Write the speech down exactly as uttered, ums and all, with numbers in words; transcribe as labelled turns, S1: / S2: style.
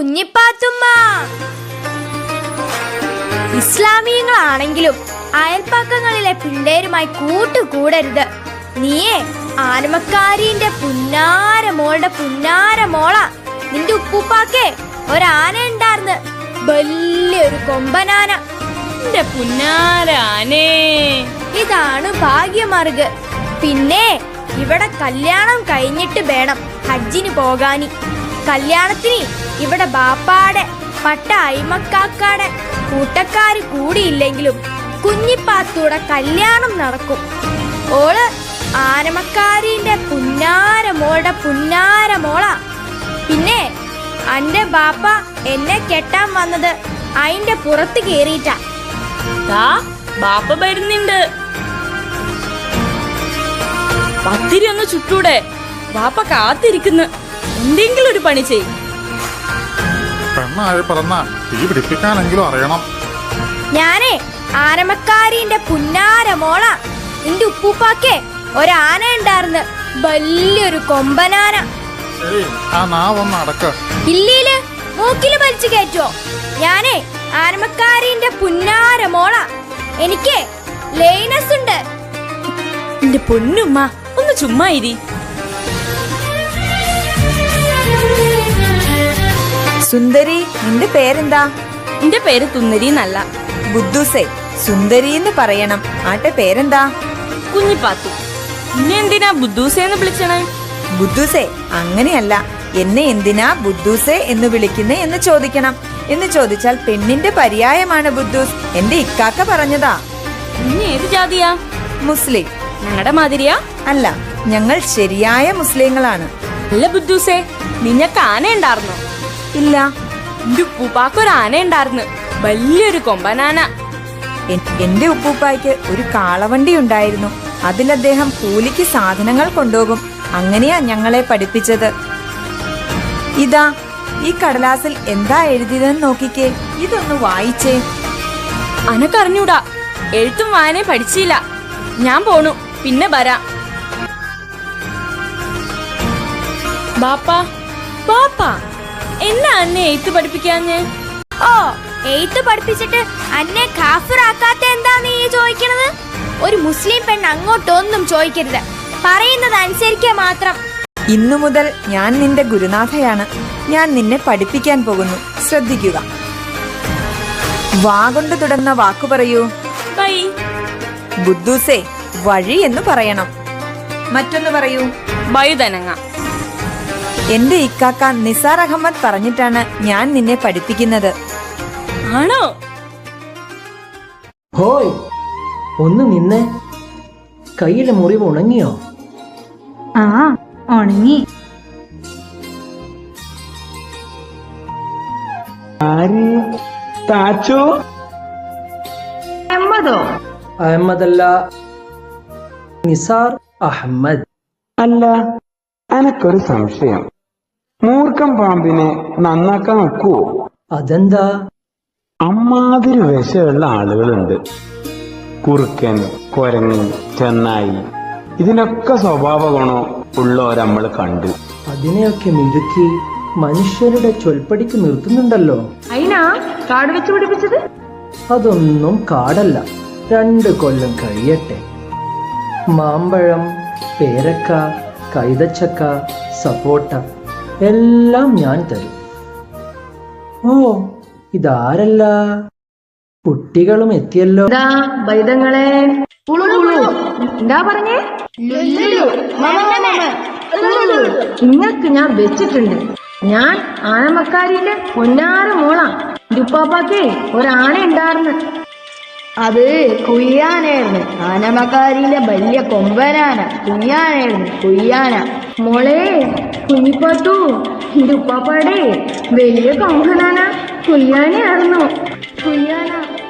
S1: കുഞ്ഞിപ്പാത്തുമ്മ. ഇസ്ലാമിയങ്ങളാണെങ്കിലും അയൽപ്പക്കങ്ങളിലെ പിള്ളേരുമായി കൂട്ടുകൂടരുത്. നീയേ ആനമക്കാരിന്റെ പുന്നാര മോളുടെ പുന്നാര മോള. നിന്റെ ഉപ്പൂപ്പാക്കേ ഒരാന ഉണ്ടാർന്ന്, വലിയൊരു കൊമ്പനാന.
S2: എന്റെ പുന്നാര ആനേ,
S1: ഇതാണ് ഭാഗ്യമാർഗ്. പിന്നെ ഇവിടെ കല്യാണം കഴിഞ്ഞിട്ട് വേണം ഹജ്ജിന് പോകാനി. കല്യാണത്തിന് ഇവിടെ ബാപ്പാടെ പട്ട അയിമക്കാക്കാടെ കൂട്ടക്കാര് കൂടിയില്ലെങ്കിലും കുഞ്ഞിപ്പാത്തൂടെ കല്യാണം നടക്കും. ഓള് ആനമക്കാരിന്റെ പുന്നാര മോളുടെ പുന്നാര മോള. പിന്നെ അന്റെ ബാപ്പ എന്നെ കെട്ടാൻ വന്നത് അയിന്റെ പുറത്ത് കേറിയിട്ടാ.
S2: ബാപ്പ വരുന്നുണ്ട്. പത്തിരി ഒന്ന് ചുട്ടൂടെ? ബാപ്പ കാത്തിരിക്കുന്നു. എന്തെങ്കിലും ഒരു പണി ചെയ്.
S3: പെണ്ണായി പറഞ്ഞ തീ പിടിപ്പിക്കാനെങ്കിലും അറിയണം.
S1: ഞാനേ ആനമക്കാരിന്റെ പുന്നാര മോള. നിന്റെ ഉപ്പൂപ്പാക്കേ ഒരാന ഉണ്ടാർന്ന്, വലിയൊരു കൊമ്പനാന.
S3: ആ നാവൊന്ന് അടക്ക.
S1: ഇല്ലീല് മൂക്കില് വലിച്ചു കയറ്റുവോ? ഞാനേ ആനമക്കാരിന്റെ പുന്നാര മോള. എനിക്ക് ലൈനസ് ഉണ്ട്.
S2: എന്റെ പൊന്നുമ്മ ഒന്ന് ചുമ്മാ ഇരി.
S4: സുന്ദരി, നിന്റെ പേരെന്താ?
S2: എന്റെ പേര് തുന്നരി എന്നല്ല,
S4: ബുദ്ധൂസേ. സുന്ദരി എന്ന് പറയണം. ആട്ടെ പേരെന്താ?
S2: കുഞ്ഞിപ്പാത്തു. എന്നെ എന്തിനാ ബുദ്ധൂസേന്ന് വിളിച്ചണേ?
S4: ബുദ്ധൂസേ അങ്ങനെയല്ല, എന്നെ എന്തിനാ ബുദ്ധൂസേ എന്ന് വിളിക്കുന്നേ എന്ന് ചോദിക്കണം. എന്ന് ചോദിച്ചാൽ പെണ്ണിന്റെ പര്യായമാണ് ബുദ്ധൂസ്. എന്റെ ഇക്കാക്ക പറഞ്ഞതാ.
S2: ഇനി ഏത് ജാതിയാ?
S4: മുസ്ലിം.
S2: ഞങ്ങളുടെ മാതിരിയാ?
S4: അല്ല, ഞങ്ങൾ ശരിയായ മുസ്ലിങ്ങളാണ്.
S2: അല്ല ബുദ്ധൂസേ, നിനക്ക് ആന ഉണ്ടായിരുന്നോ?
S4: ഇല്ല.
S2: എന്റെ ഉപ്പൂപ്പാക്കൊരു ആന ഉണ്ടായിരുന്നു, വലിയൊരു കൊമ്പനാന.
S4: എന്റെ ഉപ്പൂപ്പായ്ക്ക് ഒരു കാളവണ്ടി ഉണ്ടായിരുന്നു. അതിൽ അദ്ദേഹം കൂലിക്ക് സാധനങ്ങൾ കൊണ്ടുപോകും. അങ്ങനെയാ ഞങ്ങളെ പഠിപ്പിച്ചത്. ഇതാ ഈ കടലാസിൽ എന്താ എഴുതിയതെന്ന് നോക്കിക്കേ. ഇതൊന്ന് വായിച്ചേ.
S2: അനക്കറിഞ്ഞൂടാ, എഴുത്തും വായനയും പഠിച്ചില്ല. ഞാൻ പോണു, പിന്നെ വരാം. ബാപ്പാ ബാപ്പാ, എന്നാ അന്നെ എഴുത്ത് പഠിപ്പിക്കാഞ്ഞ്?
S1: ഓ, എഴുത്ത് പഠിപ്പിച്ചിട്ട് അന്നെ കാഫിറാക്കാത്ത എന്താ നീ ചോദിക്കണത്? ഒരു മുസ്ലിം പെണ്ണ് അങ്ങോട്ടൊന്നും ചോദിക്കരുത്, പറയുന്നത് അനുസരിക്കുക മാത്രം.
S4: ഇന്നു മുതൽ ഞാൻ നിന്റെ ഗുരുനാഥയാണ്. ഞാൻ നിന്നെ പഠിപ്പിക്കാൻ പോകുന്നു. ശ്രദ്ധിക്കുക. വാ കൊണ്ട് തുടർന്ന വാക്കു പറയൂ.
S2: ബൈ.
S4: ബുദ്ധൂസേ, വഴി എന്ന് പറയണം. മറ്റൊന്ന് പറയൂ.
S2: വഴുതനങ്ങ.
S4: എന്റെ ഇക്കാക്ക നിസാർ അഹമ്മദ് പറഞ്ഞിട്ടാണ് ഞാൻ നിന്നെ പഠിപ്പിക്കുന്നത്.
S2: ആണോ?
S5: ഹോയ്, ഒന്ന് നിന്നെ. കയ്യിലെ മുറിവ് ഉണങ്ങിയോ?
S6: ആ, ഉണങ്ങി. അഹമ്മദോ?
S5: അഹമ്മദല്ല, നിസാർ അഹമ്മദ്.
S7: അല്ല, എനക്കൊരു സംശയം. മൂർഖം പാമ്പിനെ നന്നാക്കാൻ നോക്കുവോ?
S5: അതെന്താ?
S7: അമ്മാതിരി വിഷമുള്ള ആളുകളുണ്ട്. കുറുക്കൻ, കൊരങ്ങൻ, ചെന്നായി, ഇതിനൊക്കെ സ്വഭാവ ഗുണം ഉള്ളവരെ നമ്മൾ കണ്ടു.
S5: അതിനെയൊക്കെ മിടുക്കി മനുഷ്യരുടെ ചൊൽപ്പടിക്ക് നിർത്തുന്നുണ്ടല്ലോ.
S6: അയിനാ കാട് വെച്ച് പിടിപ്പിച്ചത്?
S5: അതൊന്നും കാടല്ല. രണ്ട് കൊല്ലം കഴിയട്ടെ. മാമ്പഴം, പേരക്ക, കൈതച്ചക്ക, സപ്പോട്ട എല്ലാം ഞാൻ തരും. ഓ, ഇതാരല്ല, കുട്ടികളും എത്തിയല്ലോ.
S6: ബൈതങ്ങളെ എന്താ പറഞ്ഞേ? നിങ്ങൾക്ക് ഞാൻ വെച്ചിട്ടുണ്ട്. ഞാൻ ആനമക്കാരിന്റെ പൊന്നാര മോളാ. ഉപ്പാപ്പാക്കേ ഒരാന ഉണ്ടായിരുന്നു.
S8: അത് കുയ്യാനായിരുന്നു. ആനമക്കാരിയിലെ വലിയ കൊമ്പനാന കുയ്യാനായിരുന്നു. കുയ്യാന.
S6: മോളെ കുഞ്ഞിപ്പാത്തു, എന്റെ ഉപ്പാപ്പാടെ വലിയ കൊമ്പനാന കുയ്യാനായിരുന്നു. കുയ്യാന.